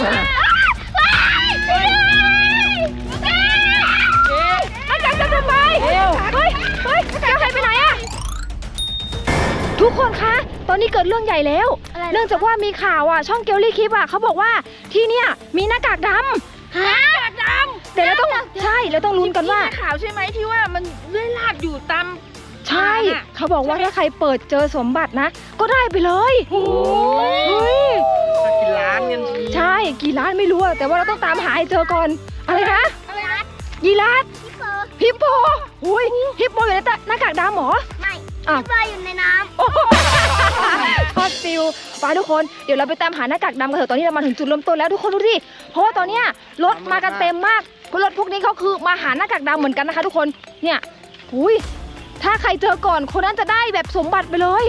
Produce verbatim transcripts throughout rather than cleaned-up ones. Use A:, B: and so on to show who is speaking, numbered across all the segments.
A: อาจารย์จะทำไมเฮ้ยเฮ้ยแก้วหายไปไหนอะทุกคนคะตอนนี้เกิดเรื่องใหญ่แล้วเนื่องจากว่ามีข่าวอ่ะช่องเกลลี่คลิปอ่ะเขาบอกว่าที่เนี่ยมีหน้ากากดำ
B: หน้ากากด
A: ำแต่เราต้องใช่เราต้องลุ้นกันว่า
B: ข่าวใช่ไหมที่ว่ามันเลื่อยลาดอยู่ตาม
A: ใช่เขาบอกว่าถ้าใครเปิดเจอสมบัตินะก็ได้ไปเลยโอ้ย
C: กี่ล้านกันที
A: ใช่กี่ล้านไม่รู้แต่ว่าเราต้องตามหาให้เจอก่อนอะไรนะยีราฟฮิปโปอุ้ยฮิปโปอยู่ในหน้ากากดำหรอ
D: ไม่ฮิปโปอยู่ในน้ำ
A: ทอดฟิวไปทุกคนเดี๋ยวเราไปตามหาหน้ากากดำกันเถอะตอนนี้เรามาถึงจุดเริ่มต้นแล้วทุกคนดูดิเพราะว่าตอนเนี้ยรถมากันเต็มมากรถพวกนี้เขาคือมาหาหน้ากากดำเหมือนกันนะคะทุกคนเนี่ยอุ้ยถ้าใครเจอก่อนคนนั้นจะได้แบบสมบัติไปเลย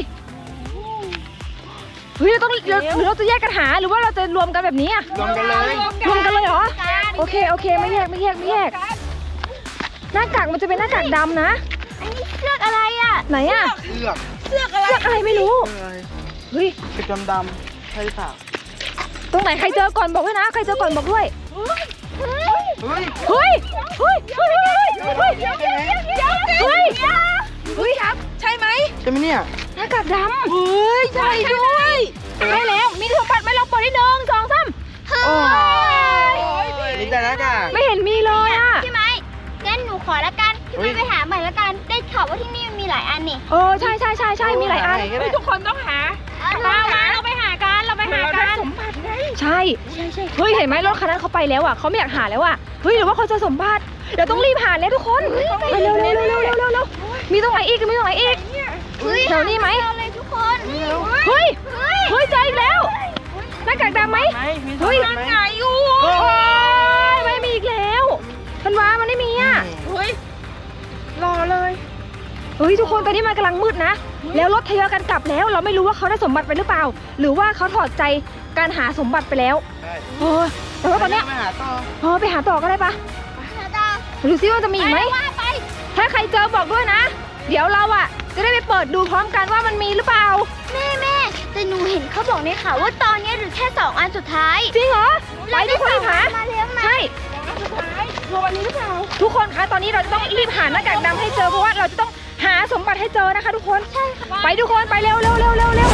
A: เฮ้ยเราต้องหรือเราจะแยกกันหาหรือว่าเราจะรวมกันแบบนี้อะ
C: รวมกันเลย
A: รวมกันเลยเหรอโอเคโอเคไม่แยกไม่แยกไม่แยกหน้ากากมันจะเป็นหน้ากากดำนะ
D: อันนี้เสื้ออะไรอ่ะ
A: ไหนอ่ะ
C: เสื้อ
B: เสื้ออะไร
A: เสื้ออะไรไม่รู้เฮ้ย
C: เป็นดำดำใช่เปล่า
A: ตรงไหนใครเจอก่อนบอกด้วยนะใครเจอก่อนบอกด้วย
C: เฮ้ย
A: เฮ้ยเฮ้ยเฮ้ยเฮ้ยเฮ้ยเฮ้ยเฮ้ยครับใช่ไหม
C: ใช่ไหมเนี่ย
A: หน้ากากดำเฮ้ยใช่ด้วยใช่แล้วมีสมบัติไหมเราเปิดได้หนึ่งสองสาม
D: โอ้
C: ยมีแต่หน้ากาก
A: ไม่เห็นมีเลยอ่ะ
D: ใช่ไหมงั้นหนูขอละกันพี่ไปไปหาใหม่ละกันได้ข่าวว่าที่นี่มีหลายอันนี่
A: เออใช่ใช่ใช่ใช่มีหลายอัน
B: ทุกคนต้องหามามาเราไปหากันเราไปหากัน
A: สมบัติไงใช่เฮ้ยเห็นไหมรถคันนั้นเขาไปแล้วอ่ะเขาไม่อยากหาแล้วอ่ะเฮ้ยหรือว่าเขาจะสมบัติเดี๋ยวต้องรีบหาแล้วทุกคนเร็วเร็วเร็วเร็วเร็วเร็วเร็วมีตรงไหนอีกมีตรงไหนอีกแถวนี้ไหม
D: เลยทุกคน
A: เฮ้ยเฮ้ยเจออีกแล้วหน้ากากดำไหมเฮ้ย
B: ไงอยู่
A: ไม่มีอีกแล้วมันว้ามันไม่มีอ่ะ
B: เฮ้ยรอเลย
A: เฮ้ยทุกคนตอนนี้มันกำลังมืดนะแล้วรถทยอยกันกลับแล้วเราไม่รู้ว่าเขาได้สมบัติไปหรือเปล่าหรือว่าเขาถอดใจการหาสมบัติไปแล้วเออแต่ว่าตอนนี้
C: ไปหาต่อ
A: เออไปหาต่อก็ได้ปะดูซิว่าจะมีอีกไหมถ้าใครเจอบอกด้วยนะเดี๋ยวเราอ่ะจะได้ไปเปิดดูพร้อมกันว่ามันมีหรือเปล่า
D: แม่แม่แต่หนูเห็นเขาบอกในข่าวว่าตอนนี้หรือแค่สองอันสุดท้าย
A: จริงเหรอไปทุกคนหาใช่
B: วันนี้หรือเปล่า
A: ทุกคนคะตอนนี้เราจะต้องรีบหาหน้ากากดำให้เจอเพราะว่าเราจะต้องหาสมบัติให้เจอนะคะทุกคน
D: ใช่ค่ะ
A: ไปทุกคนไปเร็วเร็วเร็วเร็วเร็ว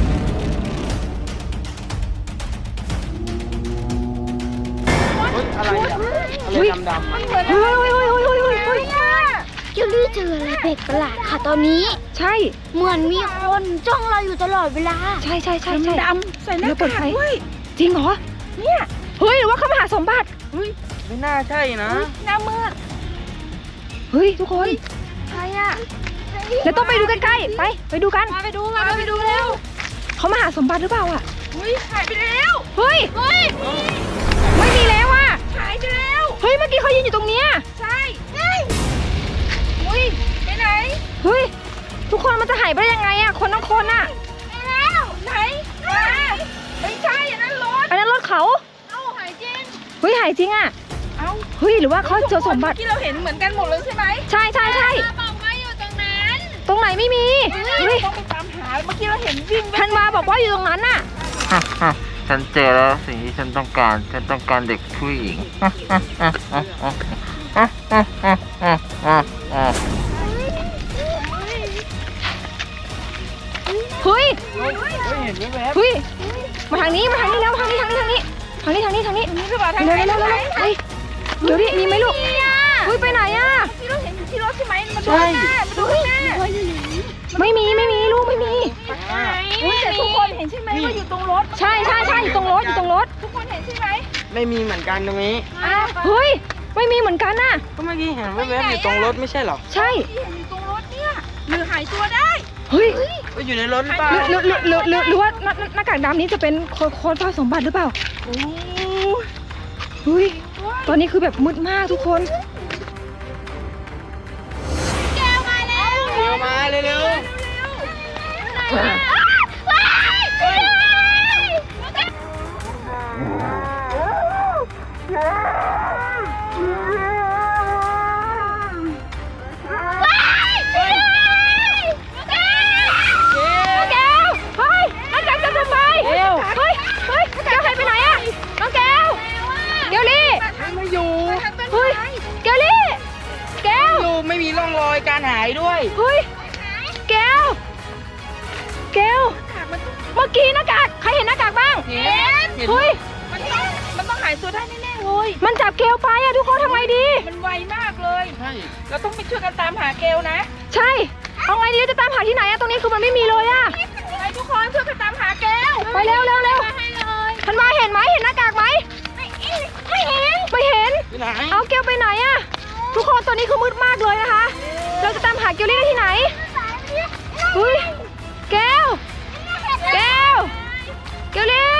C: อะไรอ่ะอะไรดำดำ
A: เฮ้ยเฮ้ยเฮ้ยเฮ้ยเฮ้ยเฮ้ยเฮ้ย
D: เกลลี่เจออะไรแปลกประหลาดค่ะตอนนี้
A: ใช่
D: เหมือนมีคนจ้องเราอยู่ตลอดเวลา
A: ใช่ใช่ใช่
B: ดำใส่หน้ากากด้วย
A: จริงเหรอเนี่ยเฮ้ยหรือว่าเขามาหาสมบัติ
C: เฮ้ยไม่น่าใช่นะ
B: หน้ามืด
A: เฮ้ยทุกคน
B: ใครอ่ะ
A: เราต้องไปดูใกล้ๆไปไปดูกัน
B: ไปดูมาไปดูเร็ว
A: เขามาหาสมบัติหรือเปล่าอ่ะ
B: เฮ้ยหายไปแล้ว
A: เฮ้ย
B: เฮ้ย
A: ไม่มีแล้วอ่ะ
B: หายไปแล้ว
A: เฮ้ยเมื่อกี้เขายืนอยู่ตรงเนี้ย
B: ใช่เฮ้ยไปไหน
A: เฮ้ยทุกคนมันจะหายไปได้ยังไงอ่ะคนทั้งคนอ่ะ
B: ไปแล้วไหนไม่ใช่อันนั้นรถ
A: อันนั้นรถเขา
B: เอ้าหายจริง
A: เฮ้ยหายจริงอ่ะ
B: เอ้า
A: เฮ้ยหรือว่าเขาเจอสมบัติ
B: ที่เราเห็นเหมือนกันหมดเลยใช่ไหม
A: ใช่ใช่ใช่
B: บอกว่าอยู่ตรงนั้น
A: ตรงไหนไม่มี
B: เฮ้ยต้องไปตามหาเมื่อกี้เราเห็นวิ่ง
A: ธันวาบอกว่าอยู่ตรงนั้นน่ะ
C: ฉันเจอแล้วสิ่งที่ฉันต้องการฉันต้องการเด็กผู้หญิง
A: เฮ้ย
C: เห็นไหม
A: เฮ้ยมาทางนี้มาทางนี้แล้วทางนี้ทางนี้ทางนี้ทางนี้ทางนี้ทางนี้
B: นี่คือแบบทางไหน
A: เร็วเร็วเร็วเฮ้ยเดี๋ยวดิมีไหมลูกเฮ้ยไปไหนอ่ะ
B: ที่เราเห็นอยู่ที่รถใช่ไหมมาดูหน้ามาดูหน้า
A: ไม่มีไม่มีลูกไม่มี
B: แต่ทุกคนเห็นใช่ไหมว่าอยู่ตรงรถ
A: ใช่ใช่ใช่อยู่ตรงรถอยู่ตรงรถ
B: ทุกคนเห็นใช่ไหม
C: ไม่มีเหมือนกันตรงนี้
A: เฮ้ยไม่มีเหมือนกันน่ะ
C: ก็เมื่อกี้เห็นแว๊บๆอยู่ตรงรถไม่ใช่หรอ
A: ใช่
B: ที่เห็นอยู่ตรงรถเนี่ยหรือหายตัวได้
A: เฮ้ย
C: อยู่ในรถหรือเปล่า
A: หรือหรือหรือหรือหรือว่าหน้ากากดำนี้จะเป็นคนคนซ่อนสมบัติหรือเปล่า
B: โอ้
A: เฮ้ยตอนนี้คือแบบมืดมากทุกคน
D: แก้วมาแล้ว
C: เร็วมาเร็วเร็ว
A: เฮ้ยน้องแก้วหายไปไหนอะน้องแก้ว
B: ร่องรอยการหายด้วย
A: เฮ้ยแก้วแก้วเมื่อกี้หน้ากากใครเห็นหน้ากากบ้าง
B: เห็นเห็น
A: เฮ้ย
B: มันต้องมันต้องหายตัวได้แน่ๆเลย
A: มันจับเกลไปอะทุกคนทำไงดี
B: มันไวมากเลย
C: ใช่
B: เราต้องไปช่วยกันตามหาเกลนะ
A: ใช่เอาไงดีจะตามหาที่ไหนอะตรงนี้คือมันไม่มีเลยอะ
B: ไปทุกคนช่วยกันตามหาเกล
A: ไปเร็วเร็วเร็ว
D: ให้เลย
A: ทันวาเห็นไหมเห็นหน้ากากไหมไม่เห็นไม่เห็น
C: ที่ไหน
A: เอาเกลไปไหนอะทุกคนตอนนี้คือมืดมากเลยนะคะ เราจะตามหาเกลลี่ได้ที่ไหนอุ้ยเกลเกลเกลลี่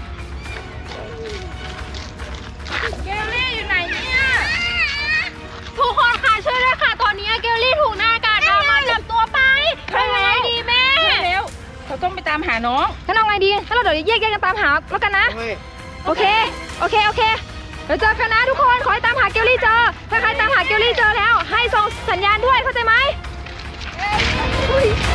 B: เกลลี่อยู่ไหนเนี่ย
D: ทุกคนค่ะช่วยด้วยค่ะ ตอนนี้เกลลี่ถูกหน้ากากดำมาจับตัวไปทำไงดีแม่
B: เร็วเราต้องไปตามหาน้อง
A: งั้นเอาไงดีงั้นเราเดี๋ยวแยกแยกกันตามหาแล้วกันนะ
C: เฮ้ย
A: โอเค โอเค โอเค เดี๋ยวเจอกันนะทุกคน ขอให้ตามหาเกลลี่เจอ ถ้าใครตามหาเกลลี่เจอแล้ว ให้ส่งสัญญาณด้วย เข้าใจไหมเฮ้ย